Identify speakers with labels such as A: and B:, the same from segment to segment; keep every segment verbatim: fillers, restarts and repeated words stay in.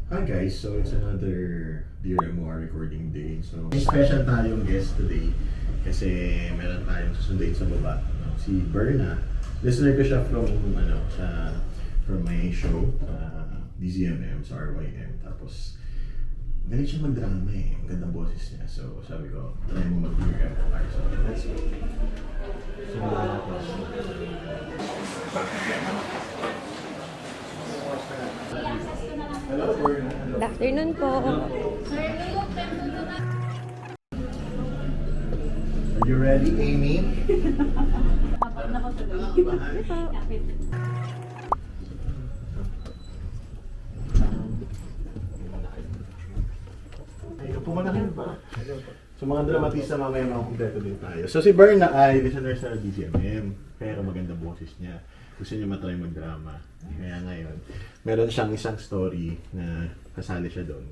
A: Hi guys, so it's another Dear M O R recording day. So may special tayong guest today kasi meron tayong susunduin sa baba. No? Si Berna. Listener ko siya from ano, sa from my show, uh, D Z M M sa R Y M. Tapos galing siya mag-drama eh. Ang gandang boses niya. So sabi ko, try mo mag-Dear M O R. So let's go. So, hello, Berna. Hello.
B: Good afternoon po.
A: Are you ready, Amy? Ay, pumanahin ba? So mga dramatista mamaya mga kumpleto din tayo. So si Berna ay listener sa D Z M M, pero maganda boses niya. Gusto niya matry mag-drama. Kaya ngayon, meron siyang isang story na kasali siya doon.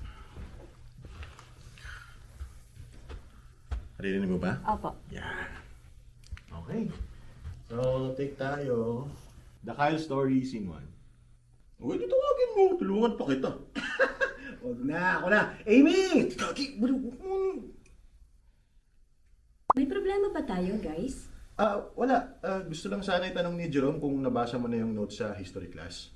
A: Naririnig mo ba?
B: Opo.
A: Yeah. Okay. So, take tayo. The Kyle Story, Scene one. Uy, dito tawagin mo. Tulungan pa kita.
C: Huwag na, ako na. Amy! Kaki, wala mo.
B: May problema ba tayo, guys?
A: Ah, wala. Ah, gusto lang sana itanong ni Jerome kung nabasa mo na yung notes sa history class.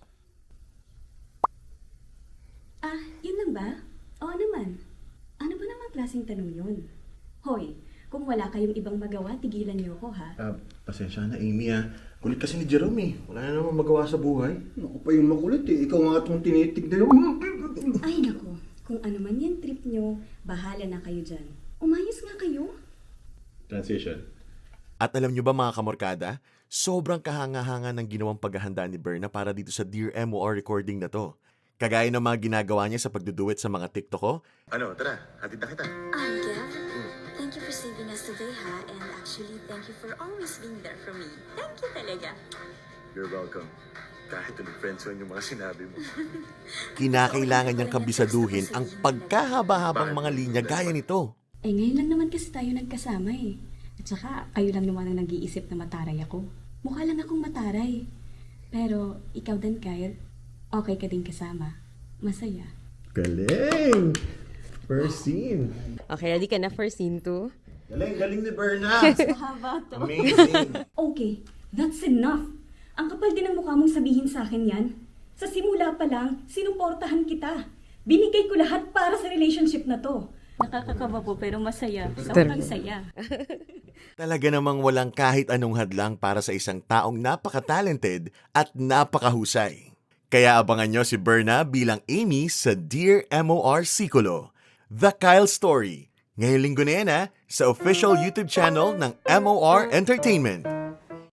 B: Ah, yun lang ba? Oo naman. Ano ba namang klaseng tanong yun? Hoy, kung wala kayong ibang magawa, tigilan niyo ako, ha?
A: Ah, pasensya na, Amy ah. Kulit kasi ni Jerome eh. Wala na naman magawa sa buhay.
C: Ako pa yung makulit eh. Ikaw nga itong tinitignan.
B: Ay, nako. Kung ano man yan trip niyo, bahala na kayo dyan. Umayos nga kayo.
A: Transition.
D: At alam nyo ba mga kamorkada, sobrang kahanga-hanga ng ginawang paghahanda ni Berna para dito sa Dear M O R recording na to. Kagaya ng mga ginagawa niya sa pagduduet sa mga TikTok ko.
A: Ano, tara. Hatid na kita.
E: Um, Gav, thank you for saving us today, ha? And actually, thank you for always being there for me. Thank you talaga.
A: You're welcome. Kahit ulit friendzone yung mga sinabi mo.
D: Kinakailangan niyang kabisaduhin ang pagkahaba-habang mga linya gaya nito.
B: Eh, ngayon lang naman kasi tayo nagkasama eh. At saka, kayo lang naman ang nag-iisip na mataray ako. Mukha lang akong mataray. Pero, ikaw din, Kyle, okay ka din kasama. Masaya.
A: Galing! First scene.
F: Okay, ready ka na for scene two?
A: Galing, galing ni Berna.
B: Mahaba to.
A: Amazing.
B: Okay, that's enough. Ang kapal din ang mukha mong sabihin sa akin yan. Sa simula pa lang, sinuportahan kita. Binigay ko lahat para sa relationship na to. Nakakakaba po pero masaya. Sobrang saya.
D: Talaga namang walang kahit anong hadlang para sa isang taong napaka-talented at napakahusay. Kaya abangan nyo si Berna bilang Amy sa Dear M O R Sikulo, The Kyle Story. Ngayong linggo na yan ha, sa official YouTube channel ng M O R Entertainment.